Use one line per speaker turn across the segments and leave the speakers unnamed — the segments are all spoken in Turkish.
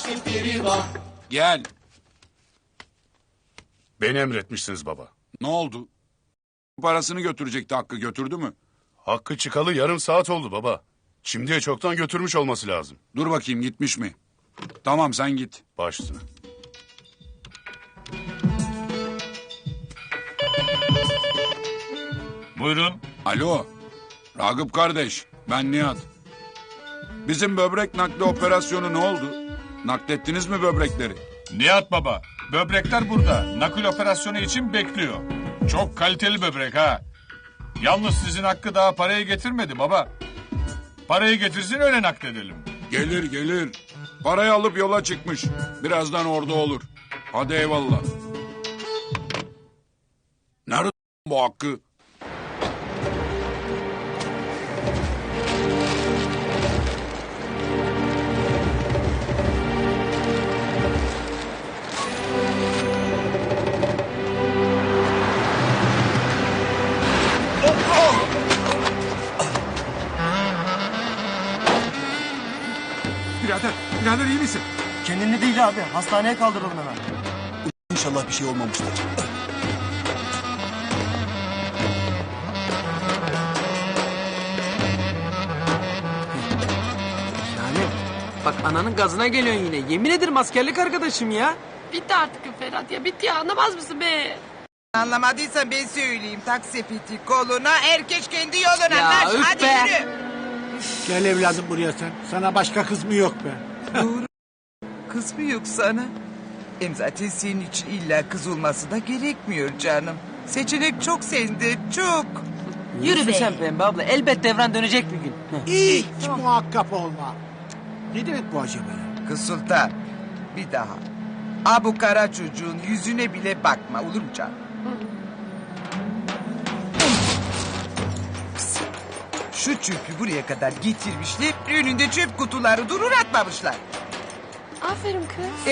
Gel.
Beni emretmişsiniz baba.
Ne oldu? Parasını götürecekti, Hakkı götürdü mü?
Hakkı çıkalı yarım saat oldu baba. Şimdiye çoktan götürmüş olması lazım.
Dur bakayım, gitmiş mi? Tamam, sen git.
Baş üstüne.
Buyurun.
Alo. Ragıp kardeş, ben Nihat. Bizim böbrek nakli operasyonu ne oldu? Naklettiniz mi böbrekleri?
Nihat baba. Böbrekler burada. Nakil operasyonu için bekliyor. Çok kaliteli böbrek ha. Yalnız sizin Hakkı daha parayı getirmedi baba. Parayı getirsin öyle nakledelim.
Gelir gelir. Parayı alıp yola çıkmış. Birazdan orada olur. Hadi eyvallah. Nerede bu Hakkı?
Birader iyi misin?
Kendinde değil abi. Hastaneye kaldıralım hemen.
İnşallah bir şey olmamıştır.
Yani bak ananın gazına geliyorsun yine. Yemin ederim askerlik arkadaşım ya.
Bitti artık Ferhat ya. Bitti ya. Anlamaz mısın be?
Anlamadıysan ben söyleyeyim. Tak sepeti koluna, herkes kendi yoluna.
Ya
Naş,
üf
hadi
be.
yürü.
Gel evladım buraya sen. Sana başka kız mı yok be?
Doğru. Kız mı yok sana? Hem zaten senin için illa kız olması da gerekmiyor canım. Seçenek çok sende, çok.
Yürü be. Sen pembe abla. Elbet devran dönecek bir gün.
Hiç muhakkak olma. Ne demek bu acaba ya?
Kız Sultan, bir daha. Bu kara çocuğun yüzüne bile bakma, olur mu canım? Kız, şu çöpü buraya kadar getirmişler, önünde çöp kutuları durur atmamışlar.
Aferin kız.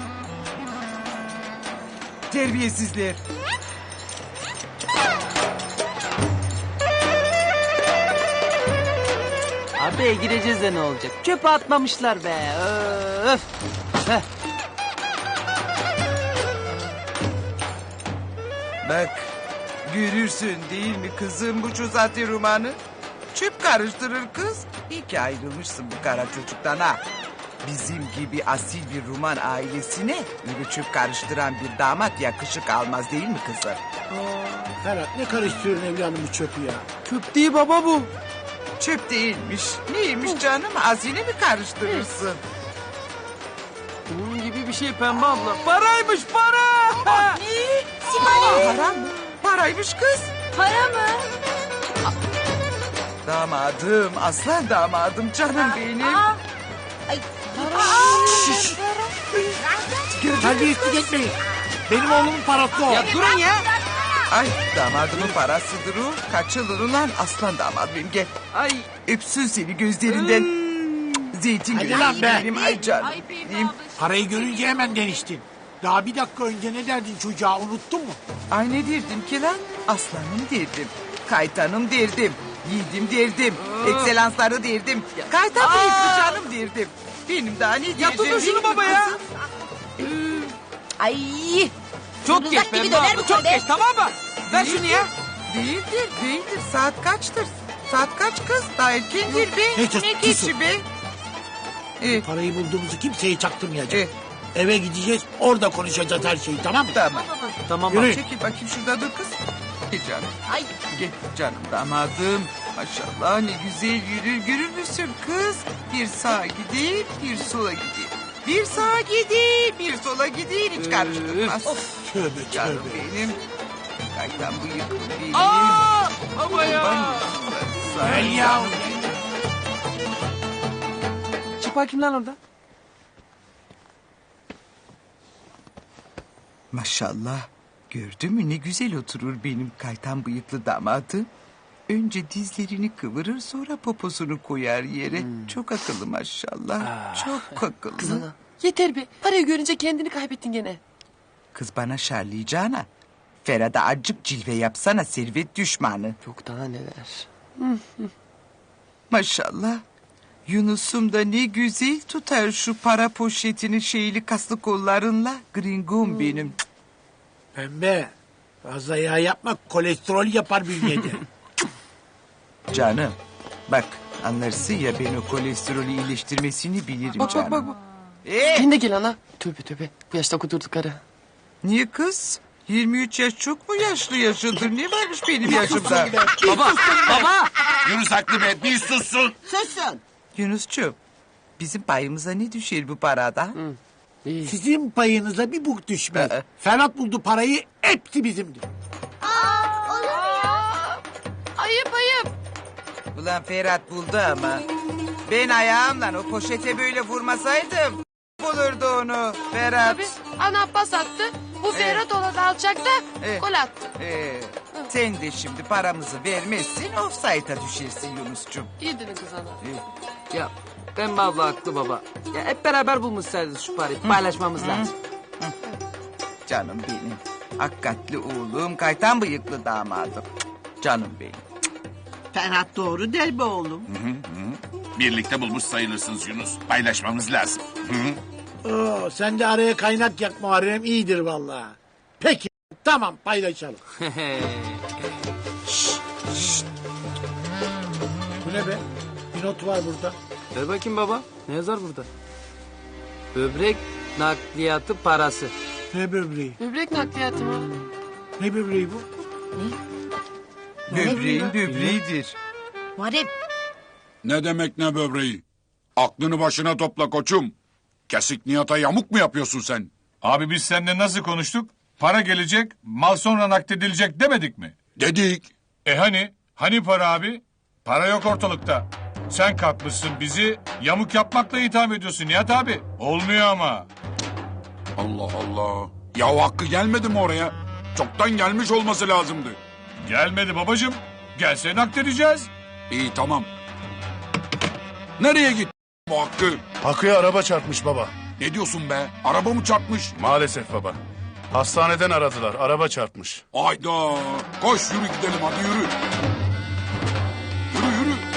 Terbiyesizler.
Abi gireceğiz de ne olacak? Çöpe atmamışlar be. Öf. Heh.
Bak, görürsün değil mi kızım bu Çuzati romanı? Çöp karıştırır kız. İyi ki ayrılmışsın bu kara çocuktan ha. Bizim gibi asil bir Ruman ailesine öyle çöp karıştıran bir damat yakışık almaz değil mi kızım?
Ferhat ne karıştırıyorsun evladım bu çöpü ya?
Çöp değil baba bu.
Çöp değilmiş. Neymiş canım? Hazine mi karıştırırsın?
Bunun gibi bir şey pembe abla. Paraymış para.
Para mı? Paraymış kız.
Para mı?
Damadım, aslan damadım canım benim.
Terbiyesizlik etmeyin. Benim oğlumun parası o.
Ya durun ya.
Ay damadımın parasıdır o. Kaçılır ulan aslan damadım gel.
Ay.
Öpsün seni gözlerinden. Zeytin
Hadi
gözü
lan be.
benim ay canım benim.
Parayı görünce hemen deniştin. Daha bir dakika önce ne derdin çocuğa unuttun mu?
Ay ne derdim ki lan? Aslanım derdim. Kaytanım derdim. Yiğidim derdim. Ekselansları derdim. Kaytan bıyıklı canım derdim. Benim daha ne diyeceğim?
Ya tutun şunu
değil mi
baba ya.
kızım?
Ay.
Çok geç pembe abla. Çok geç tamam mı? Ver şunu ya.
Değildir, değildir. Saat kaçtır? Saat kaç kız? Daha erkendir be.
Hey, sus,
Ne
susun.
geçi be?
Parayı bulduğumuzu kimseye çaktırmayacağız.
Eh.
Eve gideceğiz orada konuşacağız her şeyi tamam mı?
Tamam.
Tamam
Yürü.
bak.
Çekil bakayım şurada dur kız. Gel canım. Ay. Gel canım damadım. Maşallah ne güzel yürür. Görür müsün kız? Bir sağa gider, bir sola gider. Bir sağa gider, bir sola gider. Hiç karıştırmaz.
Tövbe
Canım
tövbe.
benim. Kaytan bıyıklı benim.
Baba ya.
Gel ya.
Çık bakayım lan orada.
Maşallah. Gördün mü ne güzel oturur benim kaytan bıyıklı damadım. Önce dizlerini kıvırır sonra poposunu koyar yere. Çok akıllı maşallah. Çok akıllı.
Yeter be. Parayı görünce kendini kaybettin gene.
Kız bana şarlayacağına. Ferhat'a acık cilve yapsana servet düşmanı.
Yok daha neler.
Maşallah. Yunus'um da ne güzel tutar şu para poşetini şeyli kaslı kollarınla. Gringom benim.
Pembe. Fazla yağ yapma. Kolesterol yapar bünyede.
Canım bak anlarsın ya ben o kolesterolü iyileştirmesini bilirim
Bak
canım.
bak bak.
Ee,
Sen de gel ana. Tövbe tövbe. Bu yaşta kudurduk karı.
niye kız? 23 yaş çok mu yaşlı yaşadır? Ne varmış benim yaşımda?
Baba, baba.
Yunus haklı be bir sussun.
Yunus'cuğum bizim payımıza ne düşer bu parada?
Sizin payınıza bir buk düşmez.
Aa.
Ferhat buldu parayı. Hepsi bizimdir.
Ayıp ayıp.
Ulan Ferhat buldu ama. Ben ayağımla o poşete böyle vurmasaydım bulurdu onu Ferhat.
Tabii. Ana pas attı. Bu Ferhat olan alçakta gol attı.
Sen de şimdi paramızı vermezsin offside'a düşersin Yunus'cum.
İyi dedin kız ana.
Ya Pembe abla haklı baba. Ya hep beraber bulmuşsaydınız şu parayı. Paylaşmamız lazım.
Canım benim. Hakikatli oğlum, kaytan bıyıklı damadım. Canım benim.
Ferhat doğru der be oğlum.
Birlikte bulmuş sayılırsınız Yunus. Paylaşmamız lazım.
Oo, sen de araya kaynak yak Muharrem iyidir vallahi. Peki tamam paylaşalım. Bu ne be? Bir not var burada.
Ver bakayım baba. Ne yazar burada? Böbrek nakliyatı parası.
Ne böbreği?
Böbrek nakliyatı mı?
Ne böbreği bu?
Böbreğin böbreğidir.
Muharrem
Ne demek ne böbreği? Aklını başına topla koçum. Kesik niyata yamuk mu yapıyorsun sen?
Abi biz seninle nasıl konuştuk? Para gelecek, mal sonra nakdedilecek demedik mi?
Dedik.
Hani para abi? Para yok ortalıkta. Sen kalkmışsın bizi yamuk yapmakla itham ediyorsun Nihat abi. Olmuyor ama.
Allah Allah. Ya hakkı gelmedi mi oraya? Çoktan gelmiş olması lazımdı.
Gelmedi babacığım. Gelse nakledeceğiz.
İyi tamam. Nereye gitti bu hakkı?
Hakkı'ya araba çarpmış baba.
Ne diyorsun be? Araba mı çarpmış?
Maalesef baba. Hastaneden aradılar. Araba çarpmış.
Ayda. Koş yürü gidelim hadi yürü. Yürü yürü.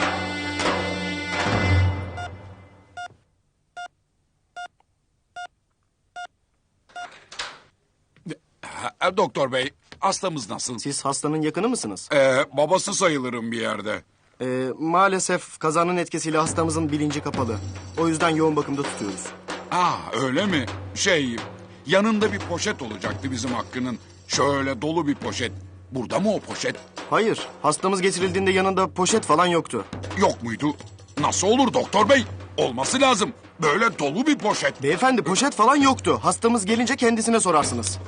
Doktor bey hastamız nasıl?
Siz hastanın yakını mısınız?
Babası sayılırım bir yerde.
Maalesef kazanın etkisiyle hastamızın bilinci kapalı. O yüzden yoğun bakımda tutuyoruz.
Öyle mi? Yanında bir poşet olacaktı bizim Hakkı'nın. Şöyle dolu bir poşet. Burada mı o poşet?
Hayır, hastamız getirildiğinde yanında poşet falan yoktu.
Yok muydu? Nasıl olur doktor bey? Olması lazım. Böyle dolu bir poşet.
Beyefendi poşet falan yoktu. Hastamız gelince kendisine sorarsınız.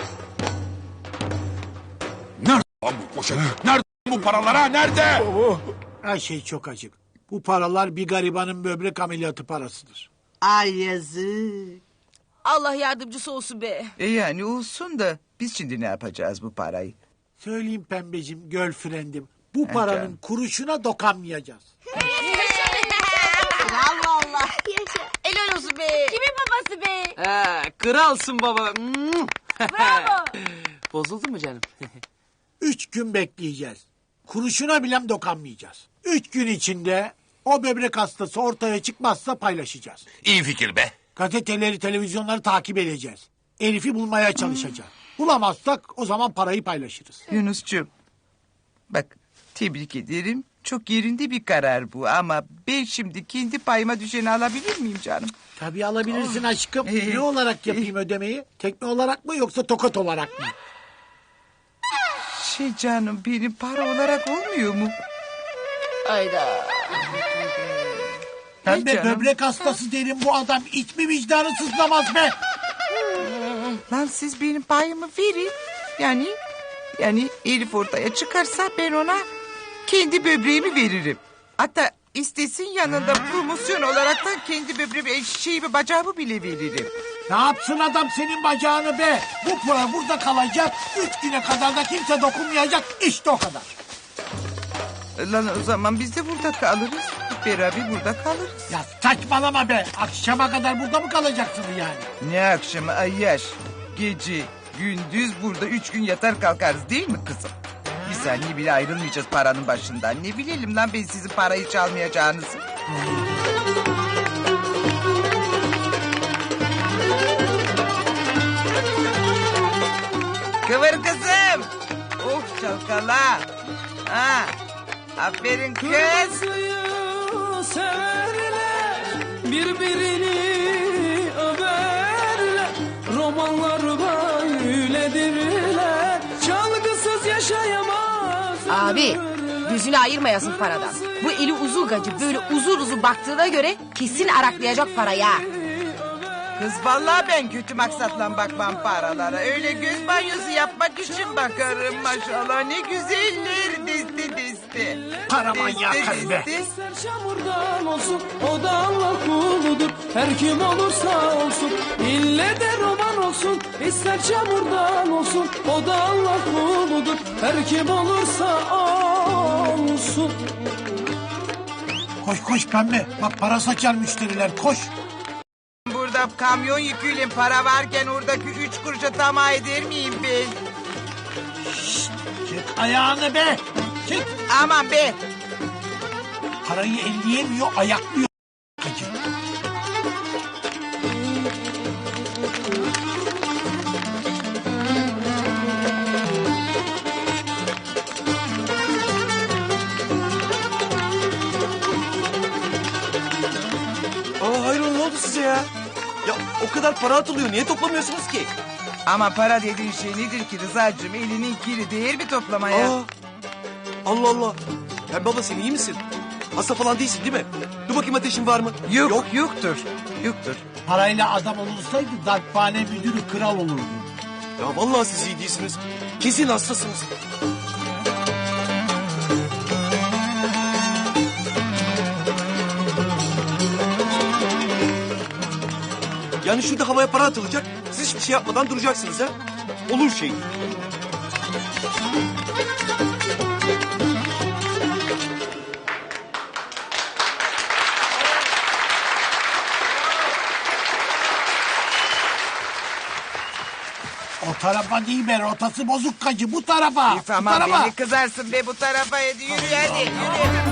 Nerede lan bu poşet? Nerede bu paralar ha? Nerede?
Her şey çok acık. Bu paralar bir garibanın böbrek ameliyatı parasıdır.
ay yazık.
Allah yardımcısı olsun be.
Yani olsun da biz şimdi ne yapacağız bu parayı?
Söyleyeyim pembecim, girlfriend'im. Bu paranın kuruşuna dokanmayacağız.
Bravo Allah.
Helal olsun be.
Kimin babası be?
Kralsın baba.
Bravo.
Bozuldu mu canım?
3 gün bekleyeceğiz. Kuruşuna bile dokanmayacağız. 3 gün içinde o böbrek hastası ortaya çıkmazsa paylaşacağız.
İyi fikir be.
Gazeteleri, televizyonları takip edeceğiz. Elif'i bulmaya çalışacağız. Bulamazsak o zaman parayı paylaşırız.
Yunus'cum bak tebrik ederim. Çok yerinde bir karar bu ama ben şimdi kendi payıma düşeni alabilir miyim canım?
Tabii alabilirsin aşkım. Ne olarak yapayım ödemeyi? Tekme olarak mı yoksa tokat olarak mı?
Canım benim para olarak olmuyor mu?
Hayda.
Pembe
canım.
böbrek hastası derim bu adam. Hiç mi vicdanı sızlamaz be?
Lan siz benim payımı verin. Yani Elif ortaya çıkarsa ben ona kendi böbreğimi veririm. Hatta istesin yanında promosyon olaraktan kendi böbreğimi, şeyimi, bacağımı bile veririm.
Ne yapsın adam senin bacağını be? Bu para burada kalacak. 3 güne kadar da kimse dokunmayacak. İşte o kadar.
Lan o zaman biz de burada kalırız. Hep beraber burada kalırız.
Ya saçmalama be. Akşama kadar burada mı kalacaksın yani?
Ne akşamı ayyaş. Gece, gündüz burada 3 gün yatar kalkarız değil mi kızım? Bir saniye bile ayrılmayacağız paranın başından. Ne bilelim lan ben sizin parayı çalmayacağınızı. Kıvır kızım. Of çalkala. Ha. Aferin kız.
Severler, birbirini överler. Romanlar böyledirler. Çalgısız yaşayamaz.
Abi gözünü ayırmayasın paradan. Bu eli uzun gacı böyle uzun uzun baktığına göre kesin araklayacak parayı ha.
Kız vallahi ben kötü maksatla bakmam paralara. Öyle göz banyosu yapmak için bakarım maşallah. Ne güzeller desti desti.
Para manyağı karı be.
İster çamurdan olsun, o da Allah kuludur. Her kim olursa olsun, ille de roman olsun. İster çamurdan olsun, o da Allah kuludur. Her kim olursa olsun.
Koş koş pembe. Bak para saçar müşteriler koş.
Burada kamyon yüküyle para varken oradaki 3 kuruşa tamah eder miyim ben?
Çek ayağını be. Çek.
Aman be.
Parayı elleyemiyor ayaklıyor. Gacı.
Aa hayır ne oldu size ya? Ya o kadar para atılıyor. Niye toplamıyorsunuz ki?
Ama para dediğin şey nedir ki Rıza'cığım? Elinin kiri değer mi toplamaya?
Aa, Allah Allah. Ya baba sen iyi misin? Hasta falan değilsin değil mi? Dur bakayım ateşin var mı?
Yoktur. Yoktur.
Parayla adam olursaydı darphane müdürü kral olurdu.
Ya vallahi siz iyi değilsiniz. Kesin hastasınız. Yani şurada havaya para atılacak. Siz hiçbir şey yapmadan duracaksınız ha. Olur şey.
O tarafa değil be rotası bozuk gacı bu tarafa.
Tamam
bu tarafa.
beni kızarsın be bu tarafa. Hadi yürü hadi yürü.